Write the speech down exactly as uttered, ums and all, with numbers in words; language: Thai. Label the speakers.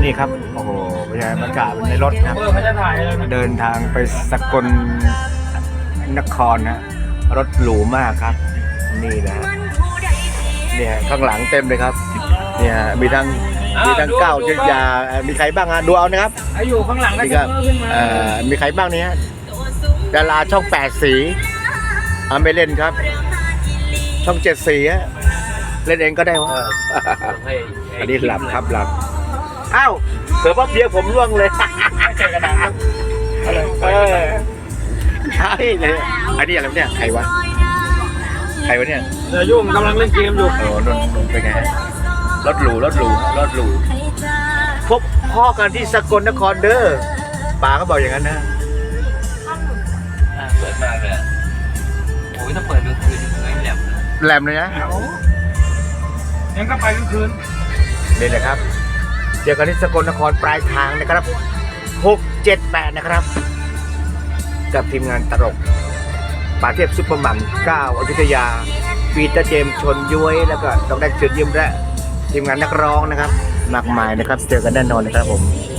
Speaker 1: นี่ครับโอ้โหบรรยากาศในรถครับ
Speaker 2: เออเขาจะถ่ายเลยนะ
Speaker 1: เดินทางไปสกลนครนะรถหรูมากครับนี่นะเนี่ยข้างหลังเต็มเลยครับเนี่ยมีทั้งมีทั้งเก้าจุดยามีใครบ้างอ่ะดูเอานะครับ
Speaker 2: ไอ้อยู่ข้างหลังก็
Speaker 1: นี่
Speaker 2: จะ
Speaker 1: ครับ
Speaker 2: ขึ้นมา
Speaker 1: เอ่อมีใครบ้างเนี่ยดาราช่องแปดสีเอาไม่เล่นครับ ช่องเจ็ดสีอะเล่นเองก็ได้วะอันนี้หลับครับหลับอ้าวเสือว่าเบียร์ผมร่วงเลย
Speaker 2: เจอกระดาษ
Speaker 1: เออใช่เลยอันนี้อะไรวะเนี่ยใครวะใครวะเนี่ย
Speaker 2: เดี๋ยวยุ่งกำลังเล่นเกมอยู่
Speaker 1: โอ้นนนนเป็นไงรถหรูรถหรูรถหรูพบพ่อกันที่สกลนครเด้อป๋าก็บอกอย่างนั้นนะ
Speaker 3: เปิดมากเลยอะโอ้ยถ้าเปิดกลางคืนไม่แหลม
Speaker 1: แหลมเลยนะ
Speaker 2: ยังก็ไปกลางคืน
Speaker 1: นี่นะครับเจอกันที่สกลนครปลายทางนะครับหกเจ็ดแปดนะครับกับทีมงานตลกป่าเทพซุปเปอร์มัมก้าวอยุธยาปีเตอร์เจมส์ชนย้วยแล้วก็ต้องได้เชิญยิ้มและทีมงานนักร้องนะครับมากมายนะครับเจอกันแน่นอนนะครับผม